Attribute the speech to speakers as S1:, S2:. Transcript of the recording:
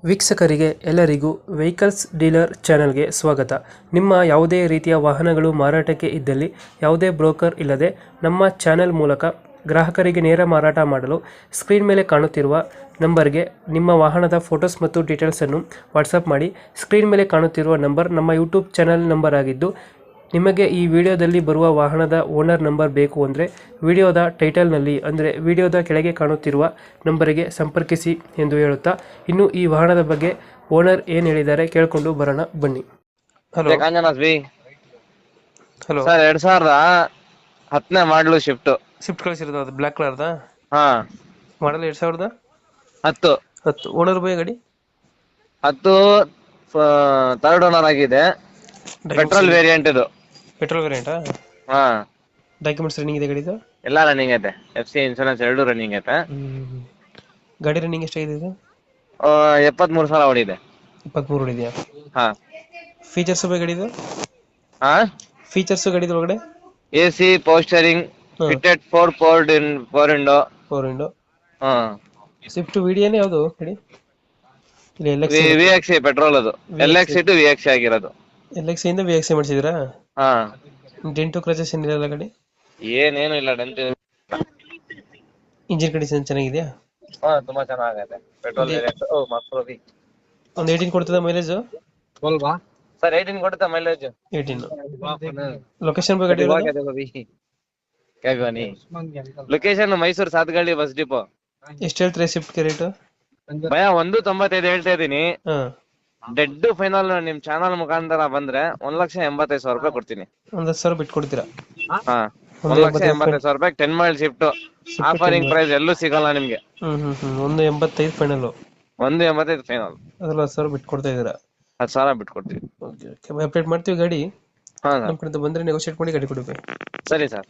S1: ವೀಕ್ಷಕರಿಗೆ ಎಲ್ಲರಿಗೂ vehicles dealer ಚಾನೆಲ್ಗೆ ಸ್ವಾಗತ. ನಿಮ್ಮ ಯಾವುದೇ ರೀತಿಯ ವಾಹನಗಳು ಮಾರಾಟಕ್ಕೆ ಇದ್ದಲ್ಲಿ ಯಾವುದೇ ಬ್ರೋಕರ್ ಇಲ್ಲದೆ ನಮ್ಮ ಚಾನೆಲ್ ಮೂಲಕ ಗ್ರಾಹಕರಿಗೆ ನೇರ ಮಾರಾಟ ಮಾಡಲು ಸ್ಕ್ರೀನ್ ಮೇಲೆ ಕಾಣುತ್ತಿರುವ ನಂಬರ್ಗೆ ನಿಮ್ಮ ವಾಹನದ ಫೋಟೋಸ್ ಮತ್ತು ಡೀಟೇಲ್ಸನ್ನು ವಾಟ್ಸಪ್ ಮಾಡಿ. ಸ್ಕ್ರೀನ್ ಮೇಲೆ ಕಾಣುತ್ತಿರುವ ನಂಬರ್ ನಮ್ಮ ಯೂಟ್ಯೂಬ್ ಚಾನೆಲ್ ನಂಬರ್ ಆಗಿದ್ದು, ನಿಮಗೆ ಈ ವಿಡಿಯೋದಲ್ಲಿ ಬರುವ ವಾಹನದ ಓನರ್ ನಂಬರ್ ಬೇಕು ಅಂದರೆ ವಿಡಿಯೋದ ಟೈಟಲ್ನಲ್ಲಿ ಅಂದರೆ ವಿಡಿಯೋದ ಕೆಳಗೆ ಕಾಣುತ್ತಿರುವ ನಂಬರಿಗೆ ಸಂಪರ್ಕಿಸಿ ಎಂದು ಹೇಳುತ್ತಾ, ಇನ್ನು ಈ ವಾಹನದ ಬಗ್ಗೆ ಓನರ್ ಏನು ಹೇಳಿದ್ದಾರೆ ಕೇಳಿಕೊಂಡು ಬರೋಣ ಬನ್ನಿ. ಹಲೋ
S2: ಕಾಂಜನಾಸ್ ಬಿ
S1: ಹಲೋ
S2: ಸರ್ 2010 ಮಾಡಲು ಶಿಫ್ಟ್
S1: ಸ್ವಿಫ್ಟ್ ಕಳಿಸಿರೋದು, ಅದು ಬ್ಲ್ಯಾಕ್ ಕಲರ್ದ
S2: ಹಾ
S1: ಮಾಡಲ್ 2010.
S2: 10
S1: ಓನರ್ ಬೈ ಗಾಡಿ
S2: ಥರ್ಡ್ ಓನರ್ ಆಗಿದೆ. ಪೆಟ್ರೋಲ್ ವೇರಿಯಂಟ್ ಇದು.
S1: ಪೆಟ್ರೋಲ್ ವೇರಿಯಂಟಾ?
S2: ಹಾ
S1: ಡಾಕ್ಯುಮೆಂಟ್ಸ್ ರನ್ನಿಂಗ್ ಇದೆ ಗಾಡಿದು?
S2: ಎಲ್ಲ ರನ್ನಿಂಗ್ ಐತೆ. FC ಇನ್ಶೂರೆನ್ಸ್ 2 ರನ್ನಿಂಗ್ ಐತೆ.
S1: ಗಾಡಿ ರನ್ನಿಂಗ್ ಎಷ್ಟಾಗಿದೆ ಇದು?
S2: 73,000 ಓಡಿದೆ.
S1: 23 ಹೊಡಿದೆಯಾ?
S2: ಹಾ
S1: ಫೀಚರ್ಸ್ ಬೈ ಗಾಡಿದು?
S2: ಹಾ
S1: ಫೀಚರ್ಸ್ ಗಾಡಿದು ಒಳಗಡೆ?
S2: AC power steering fitted 4 window. ಹಾ
S1: ಸ್ವಿಫ್ಟ್ ವಿಡಿಯೋನೇ ಯಾವುದು ಗಾಡಿ? ಇಲ್ಲಿ
S2: VXC ಪೆಟ್ರೋಲ್ ಅದು. LXC ಟು VXC ಆಗಿರೋದು.
S1: LXC ಇಂದ VXC ಮಾಡಿಸಿದ್ರಾ?
S2: ಹಾ
S1: ಡೆಂಟು ಕ್ರಚಸ್ ಏನಿರಲ್ಲ ಗಾಡಿ?
S2: ಏನೇನು ಇಲ್ಲ.
S1: ಇಂಜಿನ್ ಕಂಡೀಷನ್ ಚೆನ್ನಾಗಿದೆಯಾ?
S2: ಹಾ ತುಂಬಾ ಚೆನ್ನಾಗೈತೆ. Petrol variant. ಮಸ್ತ್
S1: ಒಂದು 18 ಕೊಡ್ತದ ಮೈಲೇಜ್?
S2: ಸರ್ 18 ಕೊಡುತ್ತೆ ಮೈಲೇಜ್.
S1: 18. ಲೊಕೇಶನ್ ಬಗ್ಗೆ ಗಾಡಿ
S2: location Mysuru Sathgalli bus depot.
S1: ಎಷ್ಟು ಹೇಳ್ತೀರಾ ಸ್ವಿಫ್ಟ್ ರೇಟ್?
S2: ಭಯ 195 ಹೇಳ್ತಾ ಇದೀನಿ.
S1: ಹಾ,
S2: ಡೆಡ್ ಫೈನಲ್ ನಿಮ್ ಚಾನಲ್ ಮುಖಾಂತರ ಬಂದ್ರೆ 1,85,000 ರೂಪಾಯಿ ಕೊಡ್ತೀನಿ.
S1: 10,000 ಬಿಟ್ಟು ಕೊಡ್ತೀರಾ?
S2: ಹಾ 1,85,000 ರೂಪಾಯಿ 10 ಮೈಲ್ ಶಿಫ್ಟ್. ಆಫರಿಂಗ್ ಪ್ರೈಸ್ ಎಲ್ಲೂ ಸಿಗಲ್ಲ ನಿಮ್ಗೆ.
S1: 185 ಫೈನಲ್.
S2: 185 ಫೈನಲ್.
S1: ಅದೆಲ್ಲ 10,000 ಬಿಟ್ಟು ಕೊಡ್ತಾ ಇದೀರಾ?
S2: 10,000 ಬಿಟ್ಟು ಕೊಡ್ತೀವಿ.
S1: ಓಕೆ, ಅಪ್ಡೇಟ್ ಮಾಡ್ತೀವಿ ಗಾಡಿ.
S2: ಹಾ
S1: ನಮ್ಮ ಕಡೆಯಿಂದ ಬಂದ್ರೆ ನೆಗೋಶಿಯೇಟ್ ಮಾಡಿ ಗಾಡಿ ಕೊಡಬೇಕು.
S2: ಸರಿ ಸರ್.